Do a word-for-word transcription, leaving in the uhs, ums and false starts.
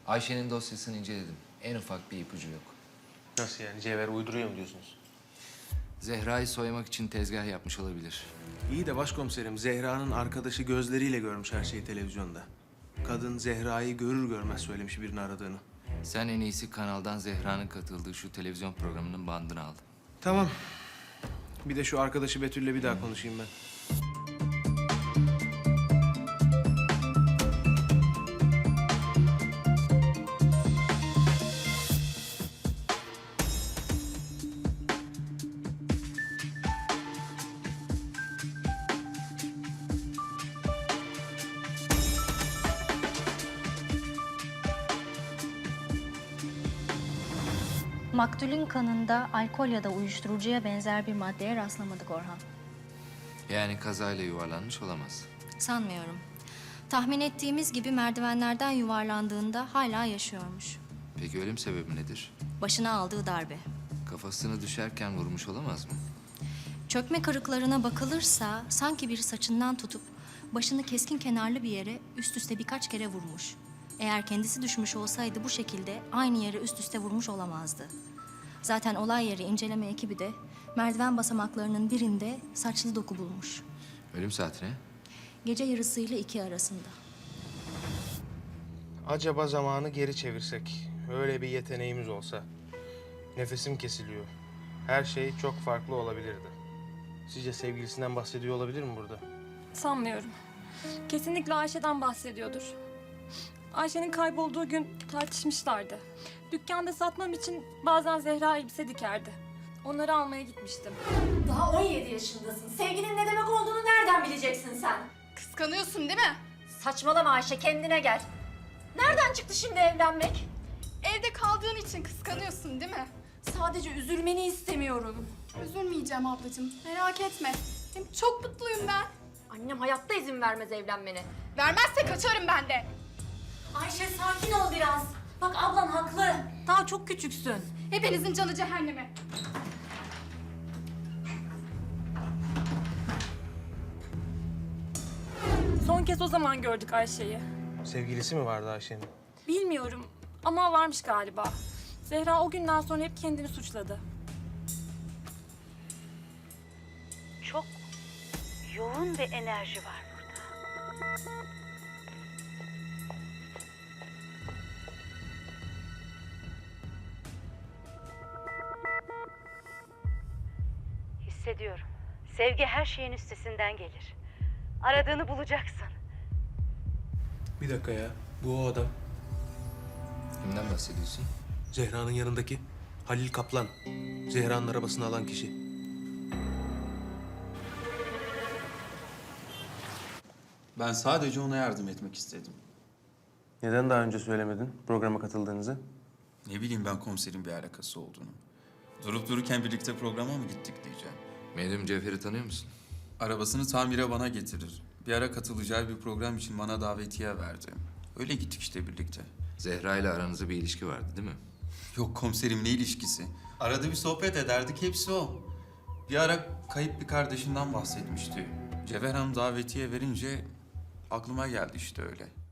Ayşe'nin dosyasını inceledim. En ufak bir ipucu yok. Nasıl yani? Cevher uyduruyor mu diyorsunuz? Zehra'yı soymak için tezgah yapmış olabilir. İyi de başkomiserim, Zehra'nın arkadaşı gözleriyle görmüş her şeyi televizyonda. Kadın Zehra'yı görür görmez söylemiş birini aradığını. Sen en iyisi kanaldan Zehra'nın katıldığı şu televizyon programının bandını al. Tamam. Bir de şu arkadaşı Betül'le bir daha konuşayım ben. Maktulün kanında alkol ya da uyuşturucuya benzer bir maddeye rastlamadık Orhan. Yani kazayla yuvarlanmış olamaz. Sanmıyorum. Tahmin ettiğimiz gibi merdivenlerden yuvarlandığında hala yaşıyormuş. Peki ölüm sebebi nedir? Başına aldığı darbe. Kafasını düşerken vurmuş olamaz mı? Çökme kırıklarına bakılırsa sanki biri saçından tutup başını keskin kenarlı bir yere üst üste birkaç kere vurmuş. Eğer kendisi düşmüş olsaydı bu şekilde aynı yere üst üste vurmuş olamazdı. Zaten olay yeri inceleme ekibi de merdiven basamaklarının birinde saçlı doku bulmuş. Ölüm saati ne? Gece yarısıyla iki arasında. Acaba zamanı geri çevirsek, öyle bir yeteneğimiz olsa. Nefesim kesiliyor. Her şey çok farklı olabilirdi. Sizce sevgilisinden bahsediyor olabilir mi burada? Sanmıyorum. Kesinlikle Ayşe'den bahsediyordur. Ayşe'nin kaybolduğu gün tartışmışlardı. Dükkanda satmam için bazen Zehra elbise dikerdi. Onları almaya gitmiştim. Daha on yedi yaşındasın. Sevginin ne demek olduğunu nereden bileceksin sen? Kıskanıyorsun değil mi? Saçmalama Ayşe, kendine gel. Nereden çıktı şimdi evlenmek? Evde kaldığın için kıskanıyorsun değil mi? Sadece üzülmeni istemiyorum. Üzülmeyeceğim ablacığım, merak etme. Hem çok mutluyum ben. Annem hayatta izin vermez evlenmene. Vermezse kaçarım ben de. Ayşe sakin ol biraz. Bak ablan haklı. Daha çok küçüksün. Hepinizin canı cehenneme. Son kez o zaman gördük Ayşe'yi. Sevgilisi mi vardı Ayşe'nin? Bilmiyorum ama varmış galiba. Zehra o günden sonra hep kendini suçladı. Çok yoğun bir enerji var burada. Hissediyorum. Sevgi her şeyin üstesinden gelir. Aradığını bulacaksın. Bir dakika ya, bu o adam. Kimden bahsediyorsun? Zehra'nın yanındaki Halil Kaplan. Zehra'nın arabasını alan kişi. Ben sadece ona yardım etmek istedim. Neden daha önce söylemedin programa katıldığınızı? Ne bileyim ben komiserin bir alakası olduğunu. Durup dururken birlikte programa mı gittik diyeceğim. Medyum Cevher'i tanıyor musun? Arabasını tamire bana getirir. Bir ara katılacağı bir program için bana davetiye verdi. Öyle gittik işte birlikte. Zehra ile aranızda bir ilişki vardı değil mi? Yok komiserim, ne ilişkisi? Arada bir sohbet ederdik, hepsi o. Bir ara kayıp bir kardeşinden bahsetmişti. Cevher Hanım davetiye verince aklıma geldi işte öyle.